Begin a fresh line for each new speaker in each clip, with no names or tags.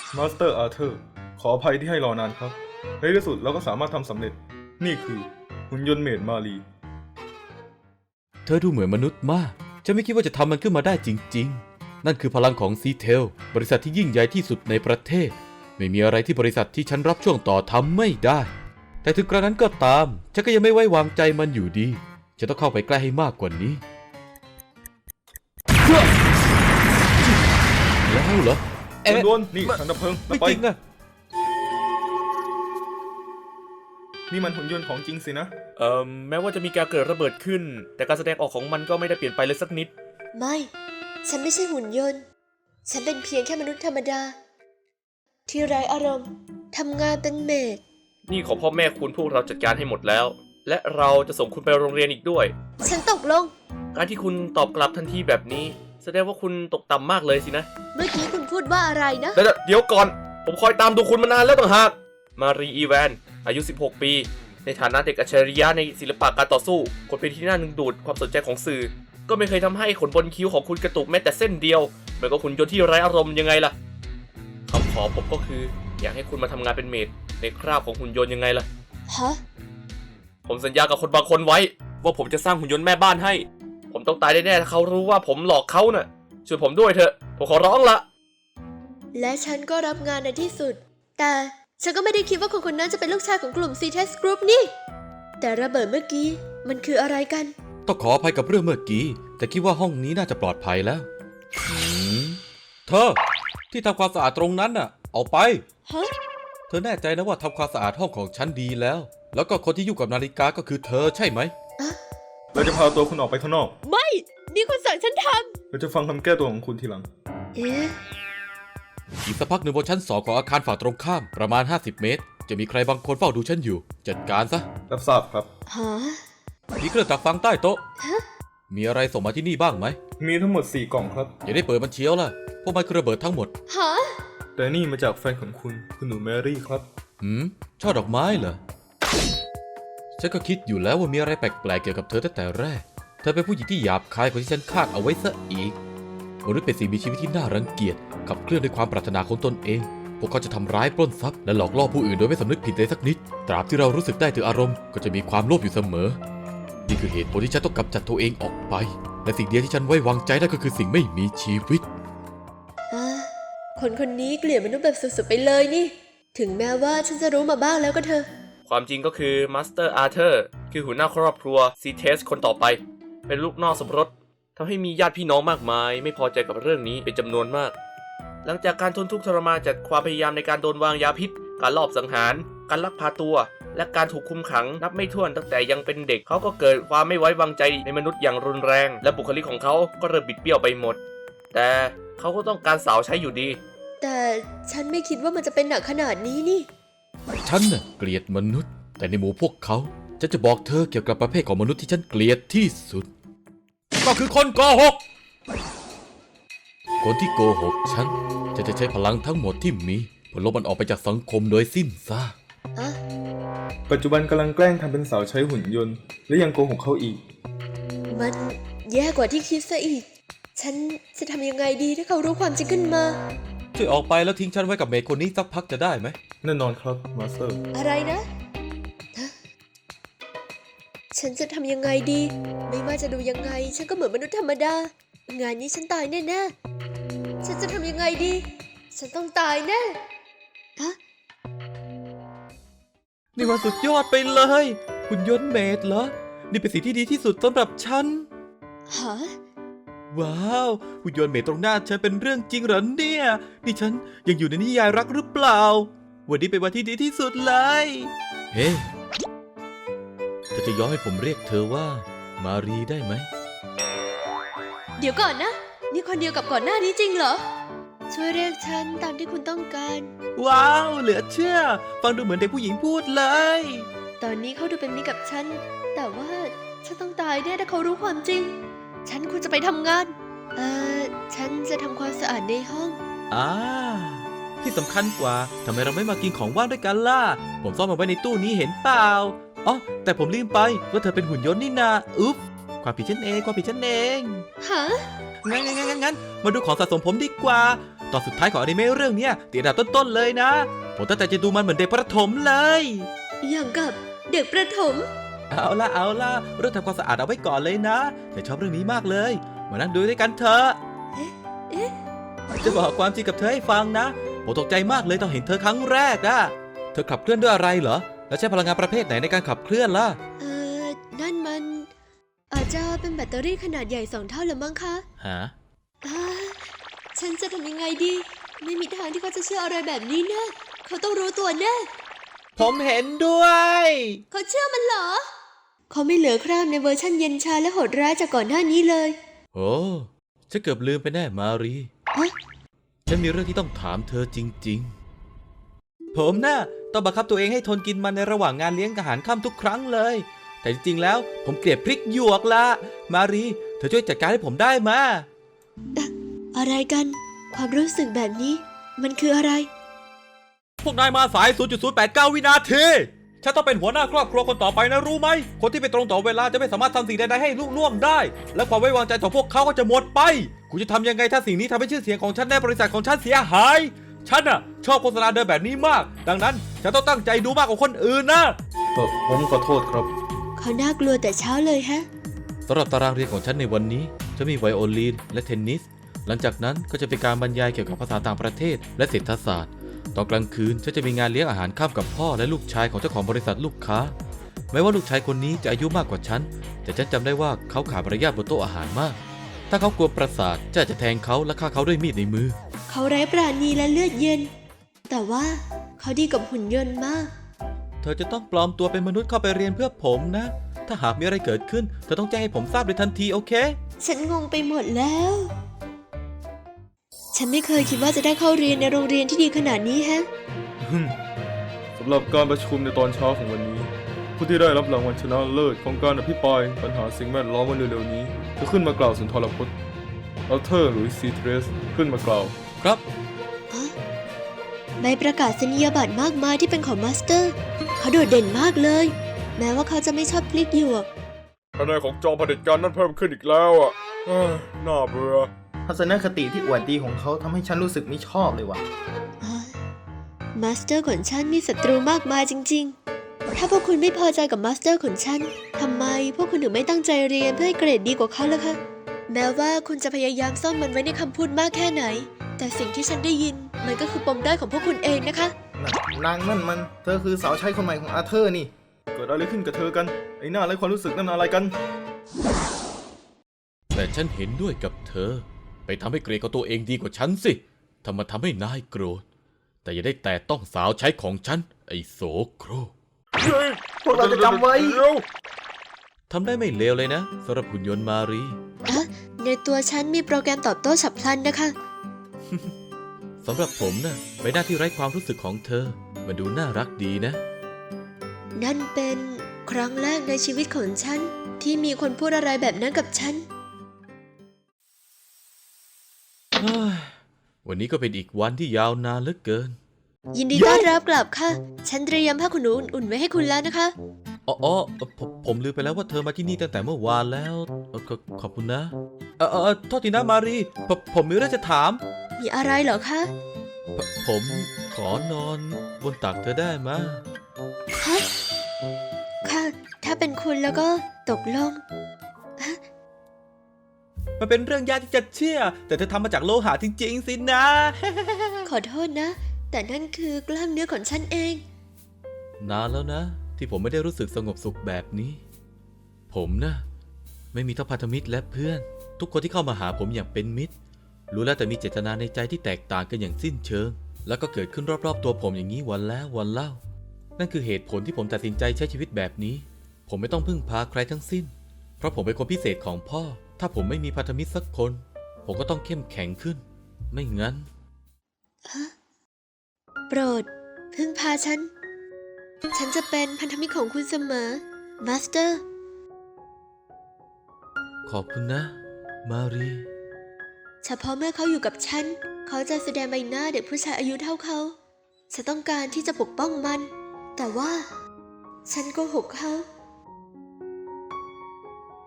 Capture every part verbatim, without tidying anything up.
มาสเตอร์อาร์เธอร์ขออภัยที่ให้รอนานครับในที่สุดเราก็สามารถทำสำเร็จนี่คือหุ่นยนต์เมดมารี
เธอดูเหมือนมนุษย์มากฉันไม่คิดว่าจะทำมันขึ้นมาได้จริงๆนั่นคือพลังของซีเทลบริษัทที่ยิ่งใหญ่ที่สุดในประเทศไม่มีอะไรที่บริษัทที่ฉันรับช่วงต่อทำไม่ได้แต่ถึงกระนั้นก็ตามฉันก็ยังไม่ไว้วางใจมันอยู่ดีฉันต้องเข้าไปใกล้ให้มากกว่านี้แล้วเหรอเอ๊ะ
โดนนี่ถังดับเพลิง
ไม่จริงอะ
นี่มันหุ่นยนต์ของจริงสินะ
เอ่อแม้ว่าจะมีการเกิดระเบิดขึ้นแต่การแสดงออกของมันก็ไม่ได้เปลี่ยนไปเลยสักนิด
ไม่ ฉันไม่ใช่หุ่นยนต์ ฉันเป็นเพียงแค่มนุษย์ธรรมดา ที่ไร้อารมณ์ทำงานเป็นเมด
นี่ของพ่อแม่คุณพวกเราจัดการให้หมดแล้ว และเราจะส่งคุณไปโรงเรียนอีกด้วย
ฉันตกลง
การที่คุณตอบกลับทันทีแบบนี้ แสดงว่าคุณตกต่ำมากเลยสินะ
เมื่อกี้คุณพูดว่าอะไรนะ
เดี๋ยวเดี๋ยวก่อน ผมคอยตามดูคุณมานานแล้วต่างหากมารีอีแวนอายุสิบหกปีในฐานะเด็กอัจฉริยะในศิลปะการต่อสู้คนเป็นที่น่าดึงดูดความสนใจของสื่อก็ไม่เคยทำให้ขนบนคิ้วของคุณกระตุกแม้แต่เส้นเดียวเหมือนกับหุ่นยนต์ที่ไร้อารมณ์ยังไงล่ะคำขอผมก็คืออยากให้คุณมาทำงานเป็นเมดในคราบของหุ่นยนต์ยังไงล่ะ
ฮะ
ผมสัญญากับคนบางคนไว้ว่าผมจะสร้างหุ่นยนต์แม่บ้านให้ผมต้องตายแน่ๆถ้าเขารู้ว่าผมหลอกเขาน่ะช่วยผมด้วยเถอะผมขอร้องละ
และฉันก็รับงานในที่สุด แต่ฉันก็ไม่ได้คิดว่าคนคนนั้นจะเป็นลูกชายของกลุ่ม ซี ที อี เอส Group นี่ แต่ระเบิดเมื่อกี้มันคืออะไรกัน
ต้องขออภัยกับเรื่องเมื่อกี้แต่คิดว่าห้องนี้น่าจะปลอดภัยแล้วหืมเธอที่ทำความสะอาดตรงนั้นน่ะเอาไป
ฮะ
เธอแน่ใจนะว่าทำความสะอาดห้องของฉันดีแล้ว แล้วก็คนที่ยุ่งกับนาฬิกาก็คือเธอใช่ไหม
เราจะพาตัวคุณออกไปข้างนอก
ไม่ นี่คุณสั่งฉันท
เราจะฟังคำแก้ตัวของคุณทีหลัง
ำ เอ๊ะ
อีกสักพักหนึ่งบนชั้นสองของอาคารฝั่งตรงข้ามประมาณห้าสิบเมตร จะมีใครบางคนเฝ้าดูฉันอยู่ จัดการซะ
รับทราบครับ
ฮะ
มีเครื่องจักรฟังใต้โต๊ะ
ฮะ
มีอะไรส่งมาที่นี่บ้างไหม
มีทั้งหมดสี่กล่องครับ
อย่าได้เปิดมันเชียวล่ะพวกมันคือระเบิดทั้งหมด
ฮะ
แต่นี่มาจากแฟนของคุณคุณหนูแมรี่ครับ
หืมช่อดอกไม้เหรอ ฉันก็คิดอยู่แล้วว่ามีอะไรแปลกๆเกี่ยวกับเธอตั้งแต่แรก เธอเป็นผู้หญิงที่หยาบคายกว่าที่ฉันคาดเอาไว้ซะอีกมนุษย์เป็นสิ่งมีชีวิตที่น่ารังเกียจขับเคลื่อนด้วยความปรารถนาของตนเอง พวกเขาจะทำร้ายปล้นทรัพย์และหลอกล่อผู้อื่นโดยไม่สำนึกผิดเลยสักนิด ตราบที่เรารู้สึกได้ถึงอารมณ์ก็จะมีความโลภอยู่เสมอ นี่คือเหตุผลที่ฉันต้องกำจัดตัวเองออกไป และสิ่งเดียวที่ฉันไว้วางใจได้ก็คือสิ่งไม่มีชีวิต
อ่าคนคนนี้เกลียดมนุษย์แบบสุดๆไปเลยนี่ ถึงแม้ว่าฉันจะรู้มาบ้างแล้วก็เถอะ
ความจริงก็คือมาสเตอร์อาร์เธอร์คือหัวหน้าครอบครัวซีเทสคนต่อไป เป็นลูกนอกสมรสทำให้มีญาติพี่น้องมากมาย ไม่พอใจกับเรื่องนี้เป็นจำนวนมาก หลังจากการทนทุกข์ทรมานจากความพยายามในการโดนวางยาพิษ การลอบสังหาร การลักพาตัว และการถูกคุมขังนับไม่ถ้วนตั้งแต่ยังเป็นเด็กเขาก็เกิดความไม่ไว้วางใจในมนุษย์อย่างรุนแรง และบุคลิกของเขาก็เริ่มบิดเบี้ยวไปหมด แต่เขาก็ต้องการสาวใช้อยู่ดี
แต่ฉันไม่คิดว่ามันจะเป็นหนักขนาดนี้นี่
ฉันน่ะเกลียดมนุษย์ แต่ในหมู่พวกเขาฉันจะบอกเธอเกี่ยวกับประเภทของมนุษย์ที่ฉันเกลียดที่สุด ก็คือคนโกหก คนที่โกหกฉันจะจะใช้พลังทั้งหมดที่มีเพื่อลบมันออกไปจากสังคมโดยสิ้นซาก
อะ
ปัจจุบันกำลังแกล้งทำเป็นสาวใช้หุ่นยนต์ และยังโกหกเขาอีก
มันแย่กว่าที่คิดซะอีก ฉันจะทำยังไงดีถ้าเขารู้ความจริงขึ้นมา
ช่วยออกไปแล้วทิ้งฉันไว้กับเมย์คนนี้สักพักจะได้ไหม
แน่นอนครับมาสเตอร์
อะไรนะฮะฉันจะทำยังไงดี ไม่ว่าจะดูยังไง ฉันก็เหมือนมนุษย์ธรรมดา งานนี้ฉันตายแน่ๆ ฉันจะทำยังไงดี ฉันต้องตายแน่ฮะ
นี่มันสุดยอดไปเลย หุ่นยนต์เมดเหรอ นี่เป็นสิ่งที่ดีที่สุดสำหรับฉัน
ฮะ
ว้าวหุ่นยนต์เมดตรงหน้าฉันเป็นเรื่องจริงเหรอเนี่ย นี่ฉันยังอยู่ในนิยายรักหรือเปล่า วันนี้เป็นวันที่ดีที่สุดเลย เฮ้เธอจะยอมให้ผมเรียกเธอว่า มารีได้ไหม
เดี๋ยวก่อนนะ นี่คนเดียวกับก่อนหน้านี้จริงเหรอ ช่วยเรียกฉันตามที่คุณต้องการ
ว้าว เหลือเชื่อ ฟังดูเหมือนเด็กผู้หญิงพูดเลย
ตอนนี้เขาดูเป็นมิตรกับฉัน แต่ว่าฉันต้องตายแน่ถ้าเขารู้ความจริง ฉันควรจะไปทำงาน เอ่อ ฉันจะทำความสะอาดในห้อง
อ่า ที่สำคัญกว่าทำไมเราไม่มากินของว่างด้วยกันล่ะ ผมซ่อนมันไว้ในตู้นี้เห็นเปล่า อ๋อ แต่ผมลืมไปว่าเธอเป็นหุ่นยนต์นี่นาอุ๊บความผิดฉันเอง ความผิดฉันเอง
ฮะ
งั้นงั้นงั้นงั้นมาดูของสะสมผมดีกว่า ตตอนสุดท้ายของอนิเมะเรื่องเนี้ยติดอันดับต้นๆเลยนะ ผมตั้งใจจะดูมันเหมือนเด็กประถมเลย
อย่างกับเด็กประถม
เอาล่ะเอาล่ะเรื่องทำความสะอาดเอาไว้ก่อนเลยนะแต่ชอบเรื่องนี้มากเลยมานั่งดูด้วยกันเถอะ
เอ๊ะเอ๊ะ
จะบอกความจริงกับเธอให้ฟังนะผมตกใจมากเลยตอนเห็นเธอครั้งแรกอะเธอขับเคลื่อนด้วยอะไรเหรอแล้วใช้พลังงานประเภทไหนในการขับเคลื่อนล่ะ
เออนั่นมัน อาจจะเป็นแบตเตอรี่ขนาดใหญ่สองเท่าหรือมั้งคะ
ฮะ
อ่าฉันจะทำยังไงดี ไม่มีทางที่เขาจะเชื่ออะไรแบบนี้นะเขาต้องรู้ตัวแน่
ผมเห็นด้วย
เขาเชื่อมันเหรอ เขาไม่เหลือคราบในเวอร์ชั่นเย็นชาและโหดร้ายจากก่อนหน้านี้เลย
โอ้ฉันเกือบลืมไปแน่มารี
ฮะ
ฉันมีเรื่องที่ต้องถามเธอจริงๆ ผมน่ะต้องบังคับตัวเองให้ทนกินมันในระหว่างงานเลี้ยงอาหารค่ำทุกครั้งเลย แต่จริงๆแล้วผมเกลียดพริกหยวกละมารีเธอช่วยจัดการให้ผมได้มา
อะไรกัน ความรู้สึกแบบนี้ มันคืออะไร
พวกนายมาสาย ศูนย์จุดศูนย์แปดเก้า วินาที ฉันต้องเป็นหัวหน้าครอบครัวคนต่อไปนะรู้ไหม คนที่ไม่ตรงต่อเวลาจะไม่สามารถทำสิ่งใดๆให้ลุล่วงได้ และความไว้วางใจของพวกเขาก็จะหมดไป กูจะทำยังไงถ้าสิ่งนี้ทำให้ชื่อเสียงของฉันในบริษัทของฉันเสียหาย ฉันน่ะชอบโฆษณาเดินแบบนี้มาก ดังนั้นฉันต้องตั้งใจดูมากกว่าคนอื่นนะ
เออผมขอโทษครับ
เขาน่ากลัวแต่เช้าเลยฮะ
สำหรับตารางเรียนของฉันในวันนี้จะมีไวโอลินและเทนนิส หลังจากนั้นก็จะเป็นการบรรยายเกี่ยวกับภาษาต่างประเทศและเศรษฐศาสตร์ ตอนกลางคืนฉันจะมีงานเลี้ยงอาหารค่ำกับพ่อและลูกชายของเจ้าของบริษัทลูกค้า แม้ว่าลูกชายคนนี้จะอายุมากกว่าฉัน แต่ฉันจำได้ว่าเขาขาดมารยาทบนโต๊ะอาหารมาก ถ้าเขากลัวประสาทจะอาจจะแทงเขาและฆ่าเขาด้วยมีดในมือ
เขาไร้ปราณีและเลือดเย็น แต่ว่าเขาดีกับหุ่นยนต์มาก
เธอจะต้องปลอมตัวเป็นมนุษย์เข้าไปเรียนเพื่อผมนะ ถ้าหากมีอะไรเกิดขึ้นเธอต้องแจ้งให้ผมทราบเลยทันทีโอเค
ฉันงงไปหมดแล้ว ฉันไม่เคยคิดว่าจะได้เข้าเรียนในโรงเรียนที่ดีขนาดนี้แฮะ
สำหรับการประชุมในตอนเช้าของวันนี้ ผู้ที่ได้รับรางวัลชนะเลิศของการอภิปรายปัญหาสิ่งแวดล้อมวันเร็วๆนี้จะขึ้นมากล่าวสุนทรพจน์อัลเทอร์หรือซีเทรสขึ้นมากล่าว
ครับ
ใบประกาศนียบัตรมากมายที่เป็นของมาสเตอร์ เขาโดดเด่นมากเลย แม้ว่าเขาจะไม่ชอบพลิกหยวก
คะแนนของจอมเผด็จการนั่นเพิ่มขึ้นอีกแล้วอ่ะเอ้ยน่าเบื่อ
ทัศนคติที่อวดดีของเขาทำให้ฉันรู้สึกไม่ชอบเลยว่ะ
มาสเตอร์ของฉันมีศัตรูมากมายจริงๆ ถ้าพวกคุณไม่พอใจกับมาสเตอร์ของฉัน ทำไมพวกคุณถึงไม่ตั้งใจเรียนเพื่อให้เกรดดีกว่าเขาล่ะคะ แม้ว่าคุณจะพยายามซ่อนมันไว้ในคำพูดมากแค่ไหน แต่สิ่งที่ฉันได้ยินมันก็คือปมด้อยของพวกคุณเองนะคะ
นางนั่นมัน เธอคือสาวใช้คนใหม่ของอาเธอร์นี่
เกิดอะไรขึ้นกับเธอกัน ไอ้หน้าไร้ความรู้สึกนั่นอะไรกัน
แต่ฉันเห็นด้วยกับเธอ ไปทำให้เกรดของตัวเองดีกว่าฉันสิทำมาทำให้นายโกรธ แต่อย่าได้แตะต้องสาวใช้ของฉัน ไอ้โสโครก
พวกเราจะจำไว้
ทำได้ไม่เลวเลยนะสำหรับหุ่นยนต์มารี
อะในตัวฉันมีโปรแกรมตอบโต้ฉับพลันนะคะ
สำหรับผมนะ่ะใบหน้าที่ไร้ความรู้สึกของเธอ มันดูน่ารักดีนะ
นั่นเป็นครั้งแรกในชีวิตของฉัน ที่มีคนพูดอะไรแบบนั้นกับฉัน
เฮ้ยวันนี้ก็เป็นอีกวันที่ยาวนานเหลือเกิน
ยินดีต้อนรับกลับค่ะ ฉันเตรียมผ้าขนหนูอุ่นๆไว้ให้คุณแล้วนะคะ
อ๋ออ๋อผมผมลืมไปแล้วว่าเธอมาที่นี่ตั้งแต่เมื่อวานแล้วเอ่อขอขอบคุณนะ เออเออโทษทีนะมารีผมผมมีเรื่องจะถาม
มีอะไรเหรอคะ
ผผมขอนอนบนตักเธอได้ไหมะ
ฮะ ค่ะ ถ้าเป็นคุณแล้วก็ตกลง
มันเป็นเรื่องยากที่จะเชื่อ แต่เธอทำมาจากโลหะจริงๆสินะ
ขอโทษนะ แต่นั่นคือกล้ามเนื้อของฉันเอง
นานแล้วนะ ที่ผมไม่ได้รู้สึกสงบสุขแบบนี้ ผมนะไม่มีทั้งพันธมิตรและเพื่อน ทุกคนที่เข้ามาหาผมอย่างเป็นมิตร รู้แล้วแต่มีเจตนาในใจที่แตกต่างกันอย่างสิ้นเชิง แล้วก็เกิดขึ้นรอบๆตัวผมอย่างนี้วันแล้ววันเล่า นั่นคือเหตุผลที่ผมตัดสินใจใช้ชีวิตแบบนี้ ผมไม่ต้องพึ่งพาใครทั้งสิ้น เพราะผมเป็นคนพิเศษของพ่อ ถ้าผมไม่มีพันธมิตรสักคน ผมก็ต้องเข้มแข็งขึ้น ไม่งั้น
โปรด พึ่งพาฉัน ฉันจะเป็นพันธมิตรของคุณเสมอ มาสเตอร์
ขอบคุณนะ มารี
เฉพาะเมื่อเขาอยู่กับฉัน เขาจะแสดงใบหน้าเด็กผู้ชายอายุเท่าเขา ฉันต้องการที่จะปกป้องมัน แต่ว่า ฉันโกหกเขา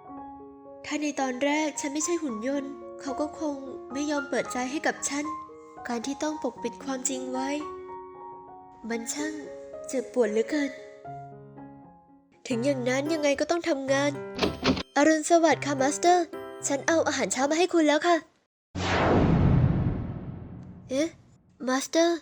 ถ้าในตอนแรกฉันไม่ใช่หุ่นยนต์ เขาก็คงไม่ยอมเปิดใจให้กับฉันการที่ต้องปกปิดความจริงไว้ มันช่างเจ็บปวดเหลือเกิน ถึงอย่างนั้นยังไงก็ต้องทำงาน อรุณสวัสดิ์ค่ะมาสเตอร์ ฉันเอาอาหารเช้ามาให้คุณแล้วค่ะ เอ๊ะ มาสเตอร์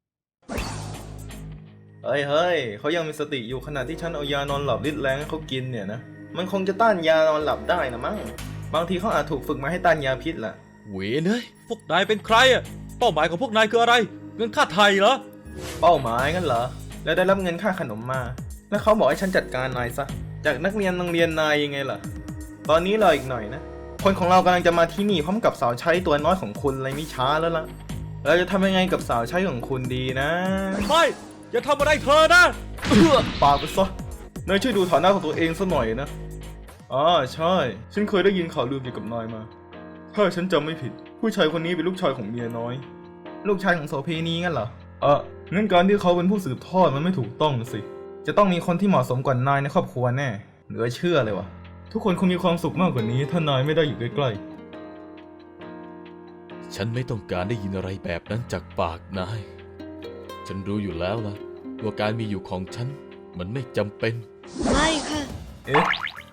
เฮ้ยเฮ้ยเขายังมีสติอยู่ขณะที่ฉันเอายานอนหลับฤทธิ์แรงให้เขากินเนี่ยนะ มันคงจะต้านยานอนหลับได้นะมั้ง บางทีเขาอาจถูกฝึกมาให้ต้านยาพิษแหละ
เวยเนยพวกนายเป็นใครอะเป้าหมายของพวกนายคืออะไร เงินค่าไทยเหรอ
เป้าหมายงั้นเหรอ แล้วได้รับเงินค่าขนมมา แล้วเขาบอกให้ฉันจัดการนายซะ จากนักเรียนโรงเรียนนายยังไงล่ะ ตอนนี้รออีกหน่อยนะ คนของเรากำลังจะมาที่นี่พร้อมกับสาวใช้ตัวน้อยของคุณเลยไม่ช้าแล้วล่ะ เราจะทำยังไงกับสาวใช้ของคุณดีนะ
ไม่ อย่าทำอะไรเธอนะ
ปากไปซะนายช่วยดูฐานะของตัวเองซะหน่อยนะอ๋อใช่ ฉันเคยได้ยินข่าวลือเกี่ยวกับนายมา ถ้าฉันจำไม่ผิด ผู้ชายคนนี้เป็นลูกชายของเมียน้อย ลูกชายของโสเพณีงั้นเหรอเอองั้นการที่เขาเป็นผู้สืบทอดมันไม่ถูกต้องสิ จะต้องมีคนที่เหมาะสมกว่านายในครอบครัวแน่ เหลือเชื่อเลยวะทุกคนคงมีความสุขมากกว่านี้ถ้านายไม่ได้อยู่ใกล้ๆ
ฉันไม่ต้องการได้ยินอะไรแบบนั้นจากปากนาย ฉันรู้อยู่แล้วล่ะว่าการมีอยู่ของฉันมันไม่จำเป็น
ไม่ค่ะ
เอ๊ะ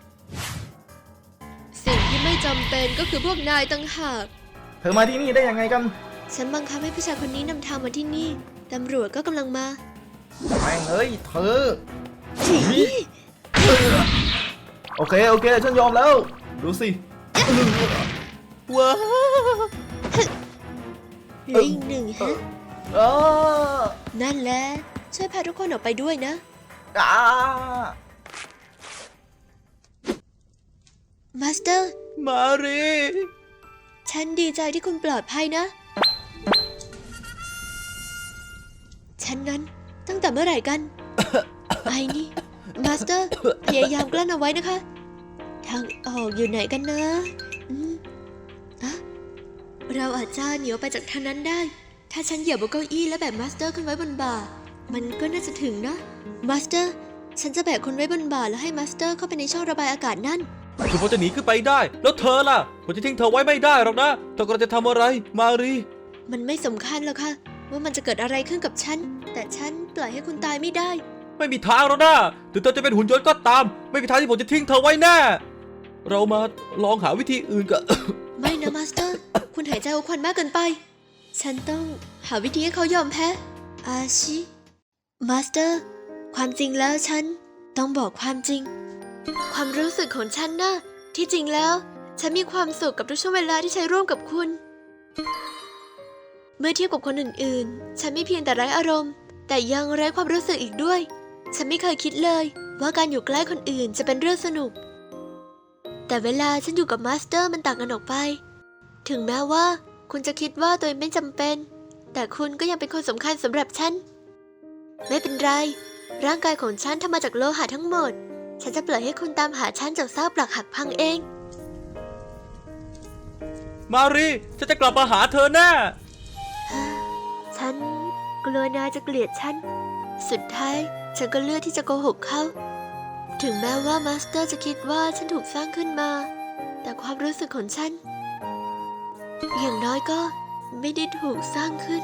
สิ่งที่ไม่จำเป็นก็คือพวกนายต่างหาก
เธอมาที่นี่ได้ยังไงกัน
ฉันบังคับให้ผู้ชายคนนี้นำทางมาที่นี่ ตำรวจก็กำลังมา
แม่งเอ้ยเธอ
ฉี
โอเคโอเคฉันยอมแล้ว ดูสิ
ว้า
เหลืออีกหนึ่งฮะ
อ้า
นั่นแหละ ช่วยพาทุกคนออกไปด้วยนะ
อ้า
มาสเตอร์
มารี
ฉันดีใจที่คุณปลอดภัยนะ ฉันนั้นตั้งแต่เมื่อไหร่กัน ไอ้นี่ มาสเตอร์ พยายามกลั้นเอาไว้นะคะ ทางออกอยู่ไหนกันนะอืมอะเราอาจจะหนีออกไปจากทางนั้นได้ ถ้าฉันเหยียบบนเก้าอี้แล้วแบกมาสเตอร์ขึ้นไว้บนบ่า มันก็น่าจะถึงนะ มาสเตอร์ ฉันจะแบกคุณไว้บนบ่าแล้วให้มาสเตอร์เข้าไปในช่องระบายอากาศนั่น
คือผมจะหนีขึ้นไปได้ แล้วเธอล่ะ ผมจะทิ้งเธอไว้ไม่ได้หรอกนะ เธอกำลังจะทำอะไร มารี
มันไม่สำคัญหรอกค่ะ ว่ามันจะเกิดอะไรขึ้นกับฉัน แต่ฉันปล่อยให้คุณตายไม่ได้
ไม่มีทางหรอกนะถึงเธอจะเป็นหุ่นยนต์ก็ตาม ไม่มีทางที่ผมจะทิ้งเธอไว้แน่ เรามาลองหาวิธีอื่นกัน
ไม่นะมาสเตอร์ คุณหายใจเอาควันมากเกินไป ฉันต้องหาวิธีให้เขายอมแพ้ อาชิ มาสเตอร์ ความจริงแล้วฉันต้องบอกความจริง ความรู้สึกของฉันนะที่จริงแล้ว ฉันมีความสุขกับทุกช่วงเวลาที่ใช้ร่วมกับคุณ เมื่อเทียบกับคนอื่นๆ ฉันไม่เพียงแต่ไร้อารมณ์ แต่ยังไร้ความรู้สึกอีกด้วย ฉันไม่เคยคิดเลยว่าการอยู่ใกล้คนอื่นจะเป็นเรื่องสนุก แต่เวลาฉันอยู่กับมาสเตอร์มันต่างกันออกไป ถึงแม้ว่าคุณจะคิดว่าตัวเองไม่จำเป็น แต่คุณก็ยังเป็นคนสำคัญสำหรับฉัน ไม่เป็นไร ร่างกายของฉันทำมาจากโลหะทั้งหมด ฉันจะปล่อยให้คุณตามหาฉันจากซากปลักหักพังเอง
มารี ฉันจะกลับมาหาเธอแน่
ฉันกลัวนายจะเกลียดฉัน สุดท้ายฉันก็เลือกที่จะโกหกเขา ถึงแม้ว่ามาสเตอร์จะคิดว่าฉันถูกสร้างขึ้นมา แต่ความรู้สึกของฉัน อย่างน้อยก็ไม่ได้ถูกสร้างขึ้น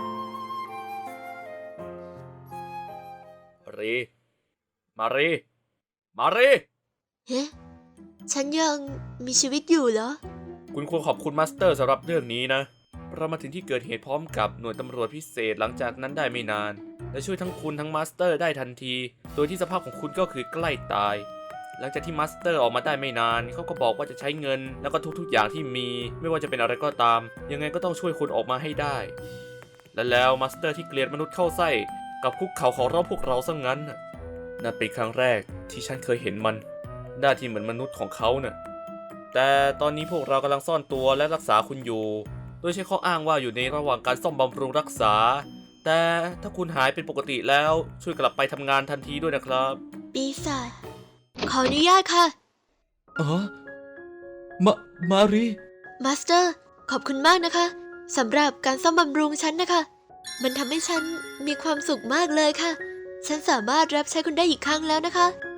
รี มารี มารี
เฮ้ ฉันยังมีชีวิตอยู่เหรอ
คุณควรขอบคุณมาสเตอร์สำหรับเรื่องนี้นะ เรามาถึงที่เกิดเหตุพร้อมกับหน่วยตำรวจพิเศษหลังจากนั้นได้ไม่นาน และช่วยทั้งคุณทั้งมาสเตอร์ได้ทันที โดยที่สภาพของคุณก็คือใกล้ตาย หลังจากที่มาสเตอร์ออกมาได้ไม่นาน เขาก็บอกว่าจะใช้เงินแล้วก็ทุกๆอย่างที่มี ไม่ว่าจะเป็นอะไรก็ตาม ยังไงก็ต้องช่วยคุณออกมาให้ได้ และแล้วมาสเตอร์ที่เกลียดมนุษย์เข้าไส้กับคุกเข่าขอร้องพวกเราซะงั้นน่ะนั่นเป็นครั้งแรกที่ฉันเคยเห็นมันหน้าที่เหมือนมนุษย์ของเขาน่ะแต่ตอนนี้พวกเรากำลังซ่อนตัวและรักษาคุณอยู่ โดยใช้ข้ออ้างว่าอยู่ในระหว่างการซ่อมบำรุงรักษา แต่ถ้าคุณหายเป็นปกติแล้วช่วยกลับไปทำงานทันทีด้วยนะครับ
ปีศาจ ขออนุญาตค่ะ
อ๋อ มา มารี
มาสเตอร์ ขอบคุณมากนะคะสำหรับการซ่อมบำรุงฉันนะคะ มันทำให้ฉันมีความสุขมากเลยค่ะ ฉันสามารถรับใช้คุณได้อีกครั้งแล้วนะคะ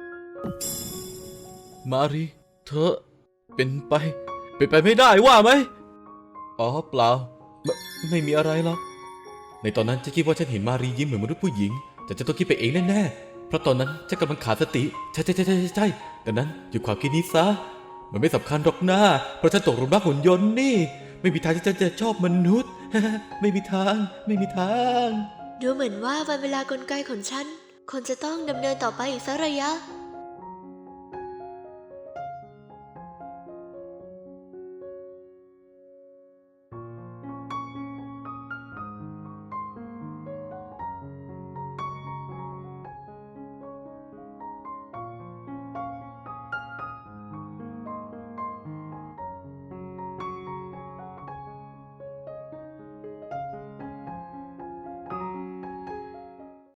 มารี เธอ เป็นไป เป็นไปไม่ได้ว่าไหม อ๋อเปล่าไม่ไม่มีอะไรหรอก ในตอนนั้นฉันคิดว่าฉันเห็นมารียิ้มเหมือนมนุษย์ผู้หญิง แต่ฉันต้องคิดไปเองแน่ๆ เพราะตอนนั้นฉันกำลังขาดสติ ใช่ใช่ใช่ใช่ใช่ดังนั้นหยุดความคิดนี้ซะ มันไม่สำคัญหรอกนะเพราะฉันตกหลุมรักหุ่นยนต์นี่ ไม่มีทางที่ฉันจะชอบมนุษย์ ไม่มีทาง ไม่มีทาง
ดูเหมือนว่าวันเวลากลไกของฉันคงจะต้องดำเนินต่อไปอีกสักระยะ